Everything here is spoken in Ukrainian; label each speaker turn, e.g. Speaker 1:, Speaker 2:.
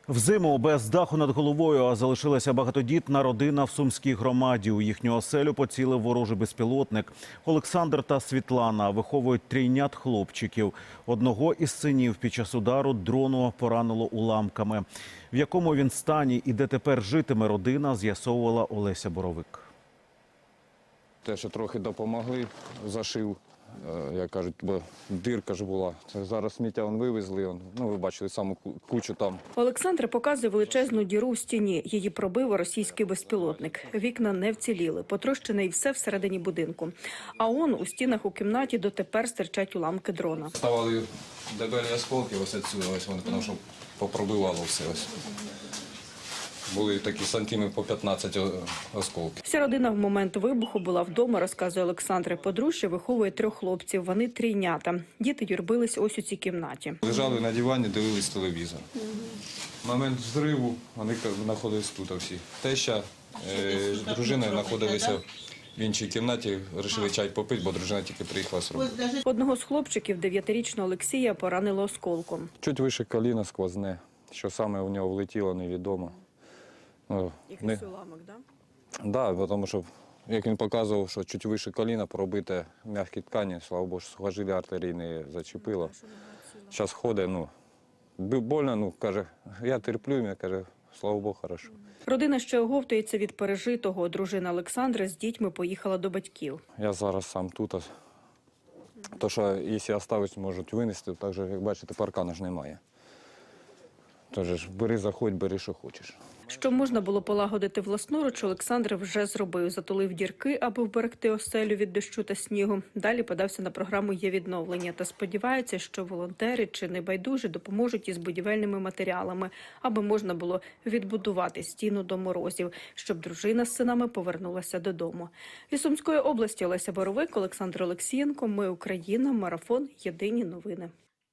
Speaker 1: Взиму без даху над головою залишилася багатодітна родина в Сумській громаді. У їхню оселю поцілив ворожий безпілотник. Олександр та Світлана виховують трійнят хлопчиків. Одного із синів під час удару дрону поранило уламками. В якому він стані і де тепер житиме родина, з'ясовувала Олеся Боровик.
Speaker 2: Те, що трохи допомогли, зашив, як кажуть, бо дирка ж була. Це зараз сміття вивезли, ви бачили саму кучу там.
Speaker 3: Олександр показує величезну діру в стіні. Її пробив російський безпілотник. Вікна не вціліли, потрощене і все всередині будинку. А у стінах у кімнаті дотепер стирчать уламки дрона.
Speaker 2: Ставали дебелі осколки, ось відсюди, вони, тому що попробивало все. Ось. Були такі сантиметрів по 15 осколків.
Speaker 3: Вся родина в момент вибуху була вдома, розказує Олександр. Подружжя виховує 3 хлопців, вони трійнята. Діти юрбились ось у цій кімнаті.
Speaker 2: Лежали на дивані, дивились телевізор. Момент взриву, вони знаходились тут всі. Теща з дружиною знаходилися в іншій кімнаті, вирішили чай попити, бо дружина тільки приїхала з роботи.
Speaker 3: Одного з хлопчиків, 9-річного Олексія, поранило осколком.
Speaker 2: Чуть вище коліна сквозне, що саме у нього влетіло, невідомо.
Speaker 3: Якийсь уламок, так?
Speaker 2: Так, тому що, як він показував, що чуть вище коліна пробите м'які ткані, слава Богу, сухожилля артерії не зачепило. Зараз ходить, больно, каже, я терплю, каже, слава Богу, хорошо.
Speaker 3: Родина ще оговтується від пережитого. Дружина Олександра з дітьми поїхала до батьків.
Speaker 2: Я зараз сам тут. То, що якщо оставить, можуть винести, так же, як бачите, паркана ж немає. Тож бери, заходь, бери, що хочеш.
Speaker 3: Що можна було полагодити власноруч, Олександр вже зробив. Затулив дірки, аби вберегти оселю від дощу та снігу. Далі подався на програму «Є відновлення» та сподівається, що волонтери чи небайдужі допоможуть із будівельними матеріалами, аби можна було відбудувати стіну до морозів, щоб дружина з синами повернулася додому. Із Сумської області Олеся Боровик, Олександр Олексієнко. Ми Україна. Марафон. Єдині новини.